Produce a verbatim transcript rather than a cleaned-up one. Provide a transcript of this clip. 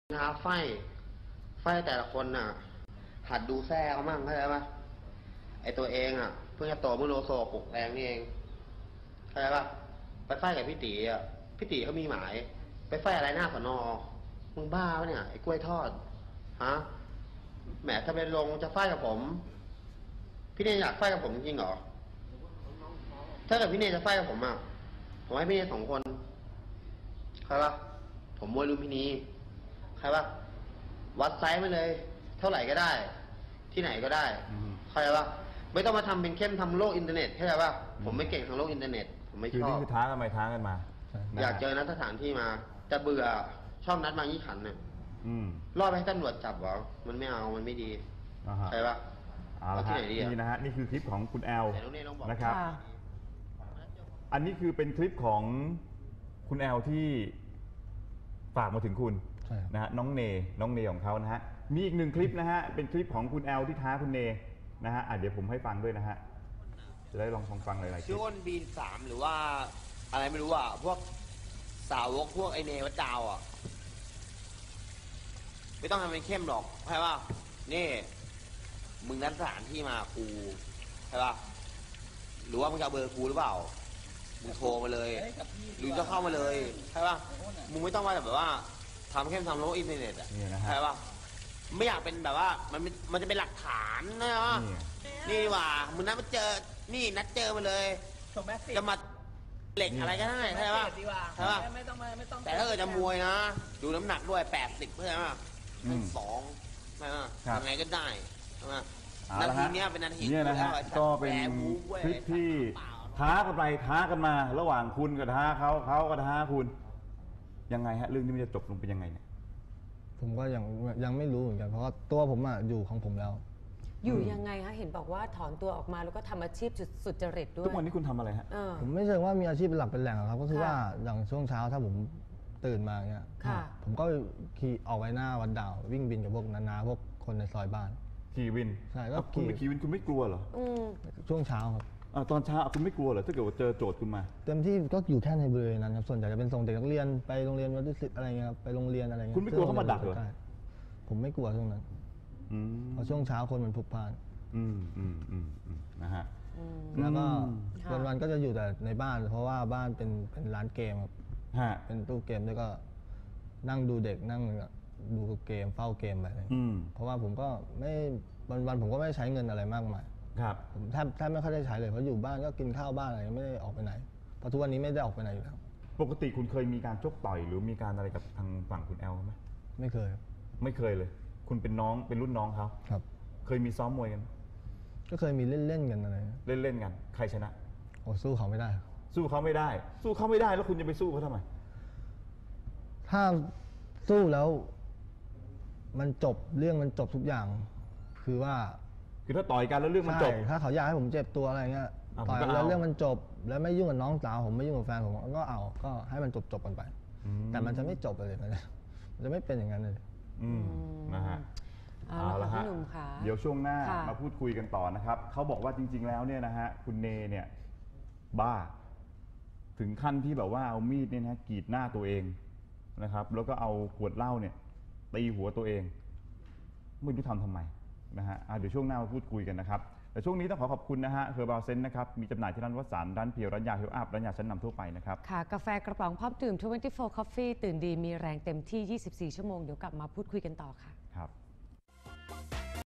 นะไฟไฟแต่ละคนน่ะหัดดูแซ่เขามั่งเข้าใจปะไอตัวเองอ่ะเพิ่งจะโตเมื่อโลโซปลุกแรงนี่เองเข้าใจปะไปไฟกับพี่ตีอ่ะพี่ตีเขามีหมายไปไฟอะไรหน้าสนอมึงบ้าปะเนี่ยไอ้กล้วยทอดฮะแหมถ้าเป็นลงจะไฟกับผมพี่เนยอยากไฟกับผมจริงเหรอถ้าเกิดพี่เนยจะไฟกับผมอ่ะผมให้พี่เนยสองคนใครปะผมมวยลุมพินีใครปะวัดไซส์มาเลย เท่าไหร่ก็ได้ ที่ไหนก็ได้ใครปะไม่ต้องมาทำเป็นเข้มทำโลกอินเทอร์เน็ตใช่ไหมปะผมไม่เก่งทางโลกอินเทอร์เน็ตผมไม่ชอบคือนี่คือท้ากันไปท้ากันมาอยากเจอนัดสถานที่มาแต่เบื่อชอบนัดมายี่ขันเนี่ยรอบให้ตำรวจจับเหรอมันไม่เอามันไม่ดีใช่ปะเอาละครับนี่นะฮะนี่คือคลิปของคุณแอลนะครับอันนี้คือเป็นคลิปของคุณแอลที่ฝากมาถึงคุณนะฮะน้องเนน้องเนของเขานะฮะมีอีกหนึ่งคลิปนะฮะเป็นคลิปของคุณแอลที่ท้าคุณเนนะฮะเดี๋ยวผมให้ฟังด้วยนะฮะจะได้ลองฟังฟังหลายๆคลิปชื่อว่าบีนสามหรือว่าอะไรไม่รู้อ่ะพวกสาวกพวกไอเนวัดดาวอ่ะไม่ต้องทำเป็นเข้มหรอกใช่ป่ะนี่มึงนัดสถานที่มากูใช่ป่ะหรือว่ามึงจะเอาเบอร์กูหรือเปล่ามึงโทรมาเลยหรือจะเข้ามาเลยใช่ป่ะมึงไม่ต้องมาแบบว่าทำเข้มทำโลกอินเทอร์เน็ตอ่ะใช่ป่ะไม่อยากเป็นแบบว่ามันมันจะเป็นหลักฐานนะวะนี่ดีกว่ามึงนัดมาเจอนี่นัดเจอมาเลยจะมาเหล็กอะไรก็ได้ใช่ป่ะใช่ป่ะไม่ต้องไม่ต้องแต่ถ้าเกิดจะมวยนะดูน้ำหนักด้วยแปดสิบเพื่อนป่ะเป็นสองใช่ป่ะยังไงก็ได้ใช่ป่ะนาทีนี้เป็นนาทีนี่นะฮะก็เป็นคลิปที่ท้ากันไปท้ากันมาระหว่างคุณกับท้าเขาเขาก็ท้าคุณยังไงฮะเรื่องนี้มันจะจบลงเป็นยังไงเนี่ยผมก็ยังยังไม่รู้เหมือนกันเพราะว่าตัวผมอ่ะอยู่ของผมแล้วอยู่ยังไงคะเห็นบอกว่าถอนตัวออกมาแล้วก็ทำอาชีพสุจริตด้วยทุกวันนี้คุณทำอะไรฮะผมไม่เชิงว่ามีอาชีพเป็นหลักเป็นแหล่งครับก็คือว่าอย่างช่วงเช้าถ้าผมตื่นมาเนี่ยผมก็ขี่ออกไปหน้าวัดดาววิ่งบินกับพวกนานาพวกคนในซอยบ้านขี่วินใช่แล้วคุณไปขี่วินคุณไม่กลัวเหรอช่วงเช้าครับตอนเช้าคุณไม่กลัวเหรอถ้าเกิดว่าเจอโจทย์คุณมาเต็มที่ก็อยู่แค่ในบริเวณนั้นครับส่วนใหญ่จะเป็นส่งเด็กนักเรียนไปโรงเรียนวัดดุสิตอะไรเงี้ยครับไปโรงเรียนอะไรเงี้ยคุณไม่กลัวเขามาดักเหรอผมไม่กลัวช่วงนั้นเพราะช่วงเช้าคนมันพลุกพล่านอืมอืมอืมอืมนะฮะแล้วก็วันวันก็จะอยู่แต่ในบ้านเพราะว่าบ้านเป็นเป็นร้านเกมครับเป็นตู้เกมแล้วก็นั่งดูเด็กนั่งดูเกมเฝ้าเกมไปเลยเพราะว่าผมก็ไม่วันวันผมก็ไม่ใช้เงินอะไรมากมายครับผมแทบแทบไม่ค่อยได้ใช้เลยเพราะอยู่บ้านก็กินข้าวบ้านอะไรไม่ได้ออกไปไหนเพราะทุกวันนี้ไม่ได้ออกไปไหนอยู่แล้วปกติคุณเคยมีการชกต่อยหรือมีการอะไรกับทางฝั่งคุณแอลไหมไม่เคยไม่เคยเลยคุณเป็นน้องเป็นรุ่นน้องเขาครับเคยมีซ้อมมวยกันก็เคยมีเล่นเล่นกันอะไรเล่นเล่นกันใครชนะโอ้สู้เขาไม่ได้สู้เขาไม่ได้สู้เขาไม่ได้แล้วคุณจะไปสู้เขาทำไมถ้าสู้แล้วมันจบเรื่องมันจบทุกอย่างคือว่าคือถ้าต่อยกันแล้วเรื่องมันจบถ้าเขาอยากให้ผมเจ็บตัวอะไรเงี้ยต่อยแล้วเรื่องมันจบแล้วไม่ยุ่งกับน้องสาวผมไม่ยุ่งกับแฟนผมก็เอาก็ให้มันจบจบกันไปแต่มันจะไม่จบเลยมันจะไม่เป็นอย่างนั้นเลยอืมนะฮะเอาละฮะเดี๋ยวช่วงหน้ามาพูดคุยกันต่อนะครับเขาบอกว่าจริงๆแล้วเนี่ยนะฮะคุณเนเนี่ยบ้าถึงขั้นที่แบบว่าเอามีดเนี่ยนะกรีดหน้าตัวเองนะครับแล้วก็เอาขวดเหล้าเนี่ยตีหัวตัวเองไม่รู้ทำทำไมนะฮะเดี๋ยวช่วงหน้ามาพูดคุยกันนะครับแต่ช่วงนี้ต้องขอขอบคุณนะฮะเฮอร์บาลเซนนะครับมีจำหน่ายที่ร้านวัสันร้านเพียวร้านยาเฮลอัพร้านยาชั้นนำทั่วไปนะครับค่ะกาแฟกระป๋องพร้อมดื่มยี่สิบสี่ Coffee ตื่นดีมีแรงเต็มที่ยี่สิบสี่ชั่วโมงเดี๋ยวกลับมาพูดคุยกันต่อค่ะครับ